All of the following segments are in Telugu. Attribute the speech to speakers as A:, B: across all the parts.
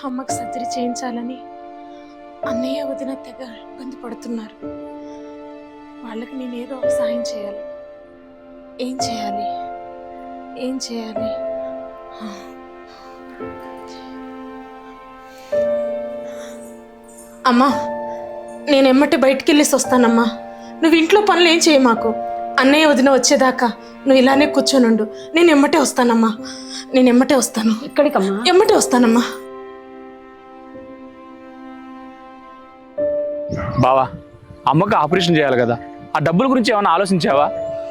A: అమ్మకు సర్జరీ చేయించాలని అన్నయ్య వదిన తెగ ఇబ్బంది పడుతున్నారు. వాళ్ళకి నేను ఏదో ఒక సాయం చేయాలి. ఏం చేయాలి? అమ్మా, నేను ఎమ్మటి బయటికి వెళ్ళేసి వస్తానమ్మా. నువ్వు ఇంట్లో పనులు ఏం చేయ మాకు. అన్నయ్య వదిన వచ్చేదాకా నువ్వు ఇలానే కూర్చొనుండు. నేను ఎమ్మటే వస్తానమ్మా.
B: ఎక్కడికమ్మా?
A: ఎమ్మటే వస్తానమ్మా.
C: బావా, అమ్మకు ఆపరేషన్ చేయాలి కదా, ఆ డబ్బుల గురించి ఏమైనా ఆలోచించావా?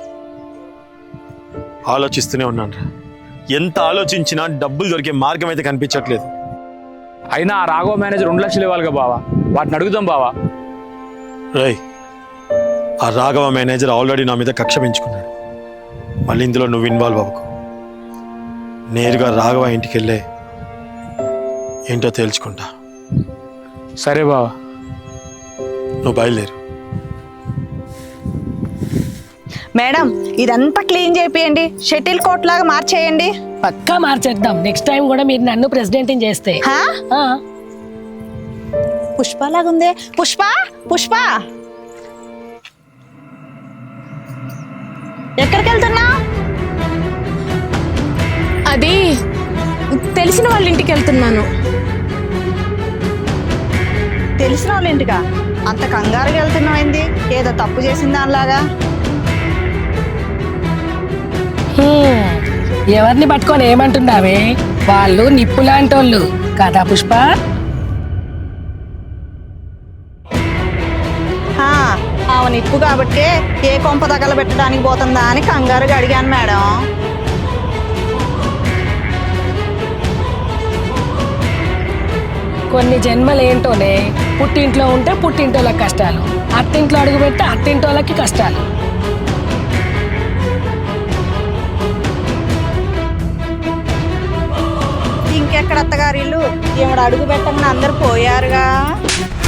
D: ఆలోచిస్తూనే ఉన్నాను. ఎంత ఆలోచించినా డబ్బులు దొరికే మార్గం అయితే కనిపించట్లేదు.
C: అయినా ఆ రాఘవ మేనేజర్ 2 లక్షలు ఇవ్వాలిగా బావా, వాటిని అడుగుదాం బావా.
D: రేయ్, ఆ రాఘవ మేనేజర్ ఆల్రెడీ నా మీద కక్ష పెంచుకున్నాడు. మళ్ళీ ఇందులో నువ్వు ఇన్వాల్వ్ అవ్వకు. నేరుగా రాఘవ ఇంటికి వెళ్ళే ఏంటో తేల్చుకుంటా.
C: సరే బావా,
D: నువ్వు బయలుదేరు.
E: మేడం, ఇదంతా క్లీన్ చేపియండి, షటిల్ కోట్ లాగా మార్చేయండి.
B: పక్కా మార్చేద్దాం. నెక్స్ట్ టైం కూడా మీరు నన్ను ప్రెసిడెంట్ చేస్తే.
E: పుష్ప లాగుందే. పుష్ప ఎక్కడికి వెళ్తున్నా?
A: అది తెలిసిన వాళ్ళ ఇంటికి వెళ్తున్నాను.
E: తెలిసిన వాళ్ళ ఇంటికా? అంత కంగారుగా వెళ్తున్నామైంది, ఏదో తప్పు చేసింది దానిలాగా.
B: ఎవరిని పట్టుకొని ఏమంటున్నావే? వాళ్ళు నిప్పు లాంటి వాళ్ళు కదా పుష్ప.
E: ఆమె నిప్పు కాబట్టి ఏ కొంప తగలబెట్టడానికి పోతుందా అని కంగారుగా అడిగాను మేడం.
B: కొన్ని జన్మలు ఏంటోనే, పుట్టింట్లో ఉంటే పుట్టింటోళ్ళకి కష్టాలు, అత్తింట్లో అడుగు పెడితే అత్తింటోళ్ళకి కష్టాలు.
E: ఇంకెక్కడ అత్తగారిల్లు, ఈవిడ అడుగు పెట్టమని అందరు పోయారుగా.